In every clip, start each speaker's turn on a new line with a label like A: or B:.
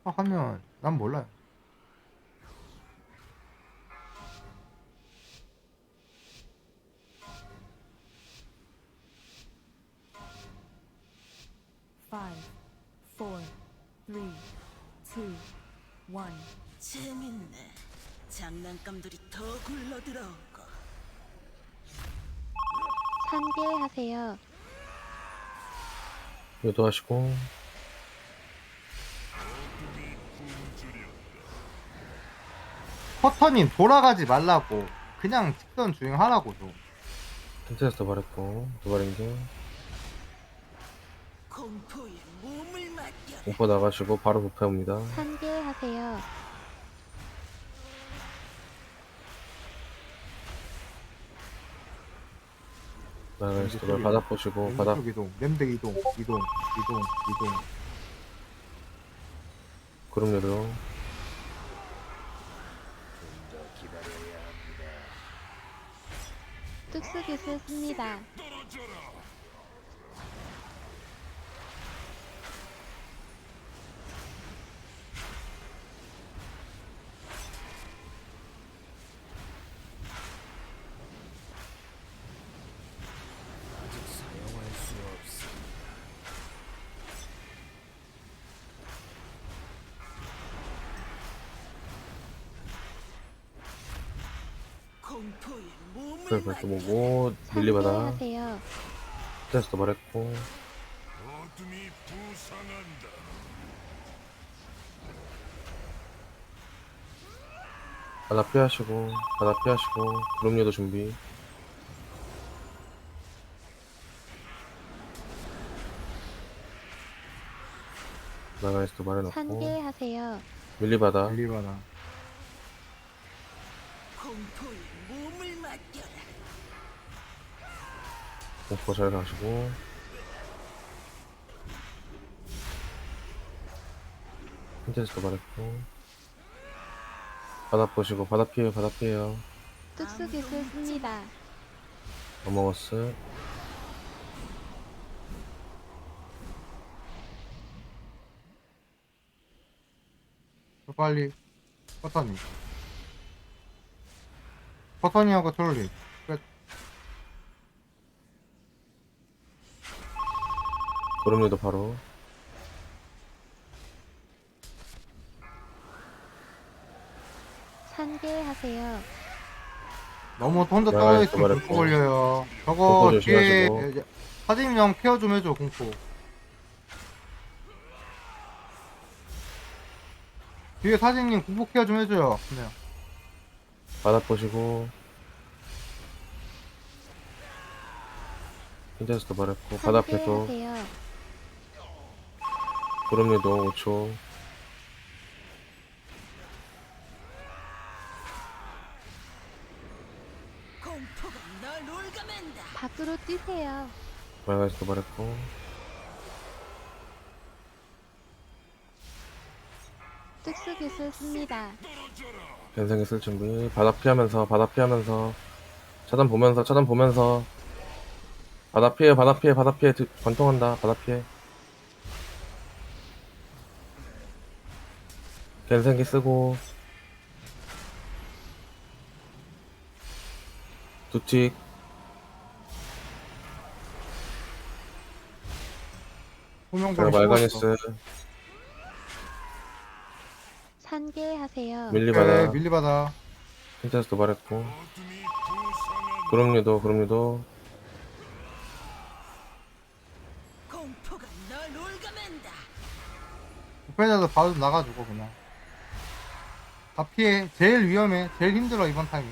A: 하면 난 몰라요.
B: Five, four, three, two, one.
C: 재밌네. 장난감들이 더 굴러들어오고.
D: 산계하세요.
E: 유도하시고
A: 커터님 돌아가지 말라고 그냥 직선 주행하라고 좀.
E: 텐트에서 도발했고 도발인데
C: 공포에 몸을 맡겨라.
E: 공포 나가시고 바로 부패 옵니다.
D: 산계하세요.
E: 나가시 도발 바닥 보시고 바닥
A: 왼쪽 이동, 램드 이동, 이동, 이동, 이동.
E: 구름 유도
D: 뚝수기술 씁니다.
C: 공포에 몸을
E: 그래서 또
C: 맡겨라.
E: 보고 밀리 바닥
D: 산계하세요.
E: 텐트에서 도발했고
F: 어둠이 부상한다.
E: 바닥 피하시고 바닥 피하시고 구름 유도 준비 나가시 도발해놓고
D: 산계하세요.
E: 밀리 바닥
A: 밀리바나.
C: 공포에 몸을 맡겨라.
E: 공포 잘 가시고 텐트에서 도발했고 바닥 보시고 바닥 피해요 바닥 피해요
D: 뚝수기술 씁니다.
E: 어머거스
A: 빨리 커터님. 커터님하고 트롤리. 끝.
E: 구름 유도 바로
D: 산계하세요.
A: 너무 혼자
E: 나가야
A: 떨어져있으면
E: 도발했고.
A: 공포 걸려요. 저거
E: 공포
A: 뒤에
E: 조심하시고.
A: 사진님 형 케어 좀 해줘 공포. 뒤에 사진님 공포 케어 좀 해줘요. 네.
E: 바닥 보시고 텐트에서 도발했고 바닥 계속
D: 산계하세요.
E: 구름 유도 5초
C: 공포가 널 올가맨다.
D: 밖으로 뛰세요.
E: 말가에서 도발했고
D: 뚝수기술 씁니다.
E: 변생기 쓸 준비 바닥 피하면서 차단 보면서 바닥 피해 관통한다 바닥 피해 변생기 쓰고 두틱
A: 호명벌
E: 제가 말가니스
D: 산계하세요.
E: 밀리바다
A: 밀리바다.
E: 텐트에서 도발했고
F: 어둠이 부상한다.
E: 구름 유도
C: 공포가 널 올가맨다.
A: 부패자도 바로 나가주고 그냥. 다 피해. 제일 위험해. 제일 힘들어 이번 타임이.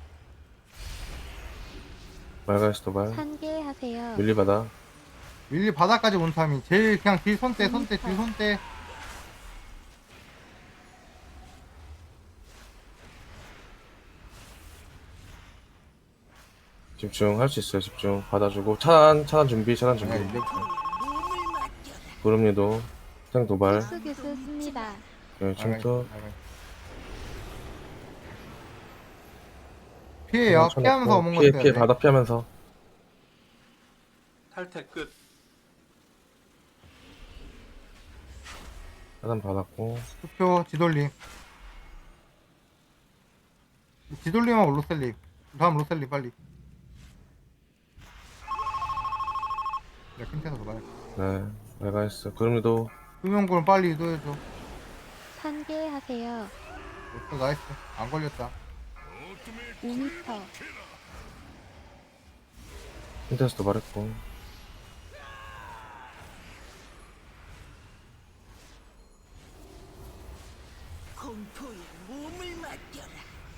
E: 말가에서 도발
D: 산계하세요.
E: 밀리바다
A: 밀리 바닥까지 온 타임이 제일 그냥 길 손대 딜 손대.
E: 집중 할 수 있어요 집중 받아주고 차단 준비
A: 네,
C: 공포에 몸을 맡겨라.
E: 구름 유도 생 도발
D: 뚝수기술 씁니다.
E: 네, 침투
A: 피해요.
E: 쳐놓고,
A: 피하면서 오는
E: 피해
A: 거
E: 피해
A: 돼.
E: 바닥 피하면서
G: 탈퇴 끝.
E: 차단 받았고.
A: 투표 지돌림. 지돌림하고 로셀님. 다음 로셀님 빨리. 내가 킨테서 말해.
E: 네, 메가이스. 그럼에도
A: 수명구는 빨리 유도해줘.
D: 산계하세요.
A: 또 나이스. 안 걸렸다.
D: 5m.
E: 힌트에서 도발했고.
C: 공포에 몸을 맡겨라.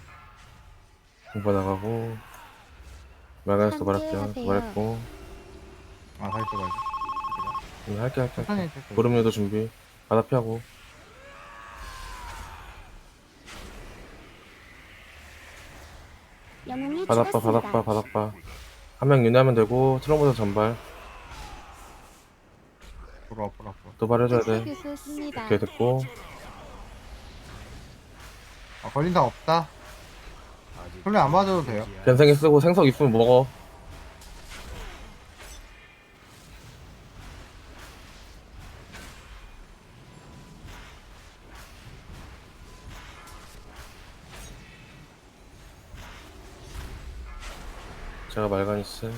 E: 공부 나가고. 메가이스 도발할게요.
D: 상쾌하세요.
E: 도발했고.
A: 아, 다시 또 가야지.
E: 할게.
A: 천천히 해줘.
E: 구름류도 준비. 바다 피하고.
D: 영웅이
E: 바닥바,
D: 죽었습니다.
E: 바닥바. 한 명 윤회하면 되고. 트럼보다 전발.
A: 앞으로.
E: 도발해줘야 돼.
D: 특수기술 씁니다.
E: 오케이, 됐고.
A: 아, 걸린 사람 없다. 훈련 안 맞아도 돼요.
E: 변생이 쓰고 생석 있으면 먹어. 제가 말가니스.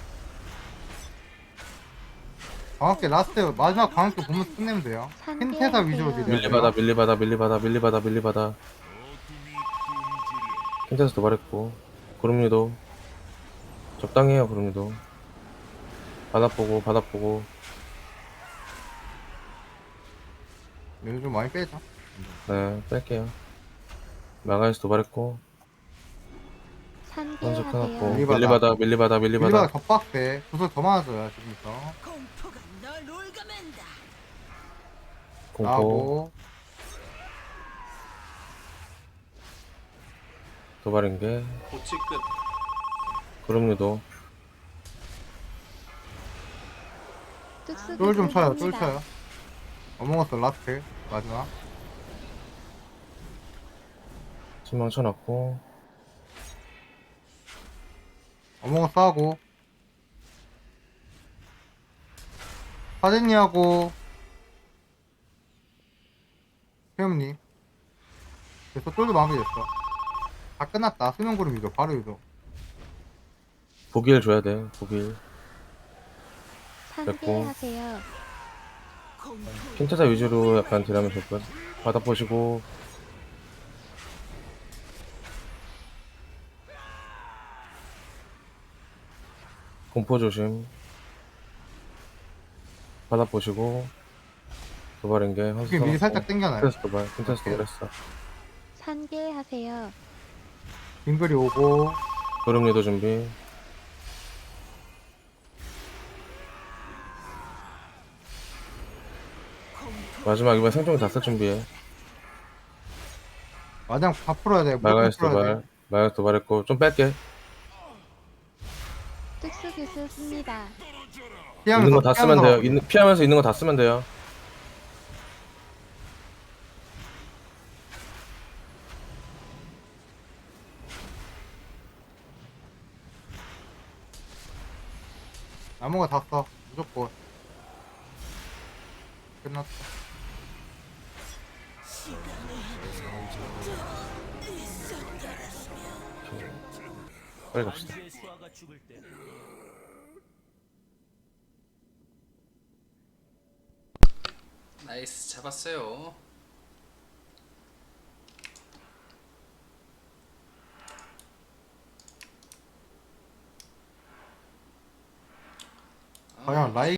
A: 광학계 라스트, 마지막 광학계 보면 끝내면 돼요.
D: 산계
A: 킨테사 위주로
D: 하세요.
A: 딜해야 돼요.
E: 밀리바다. 킨테스 도발했고. 구름류도. 적당히 해요, 구름류도. 바닥 보고.
A: 얘를 좀 많이 빼자.
E: 네, 뺄게요. 마가이스 도발했고. 선수
D: 산계하세요.
E: 끊었고. 밀리바다.
A: 밀리바가 더 빡세. 구슬 더 많아져요, 지금부터.
C: 공포가 널 올가맨다.
E: 공포.
A: 나하고,
E: 도발인 게.
G: 고치 끝.
E: 구름류도.
D: 특수기술
A: 쫄 좀 쳐요, 쫄
D: 씁니다.
A: 쳐요. 어몽어스 라스트, 마지막.
E: 신망 쳐놨고.
A: 어몽어스 하고. 사진이하고, 태엽님. 그래서 쫄도 마무리됐어. 다 끝났다. 수명구름 유도, 바로 유도.
E: 보기를 줘야 돼, 보길.
D: 산계하세요.
C: 공포
E: 킨테사 위주로 약간 딜하면 될 것. 바닥 보시고. 공포 조심. 바닥 보시고. 도발인 게.
A: 이게 미리 살짝 당겨놔요.
E: 킨테스 도발했어.
D: 산계하세요.
A: 빙글이 오고,
E: 구름류도 준비. 마지막 이번 생존기 다 쓸 준비해.
A: 마냥 다 풀어야 돼.
E: 마가이스
A: 풀어야 돼.
E: 도발. 마가이스 도발했고. 좀 뺄게.
D: 특수기술 씁니다.
E: 있는 거 다 쓰면 돼요. 피하면서 있는 거 다 쓰면 돼요.
A: 남은 거 다 써. 무조건. 끝났다.
E: 빨리 갑시다.
G: 나이스 잡았어요.
A: 과연 라이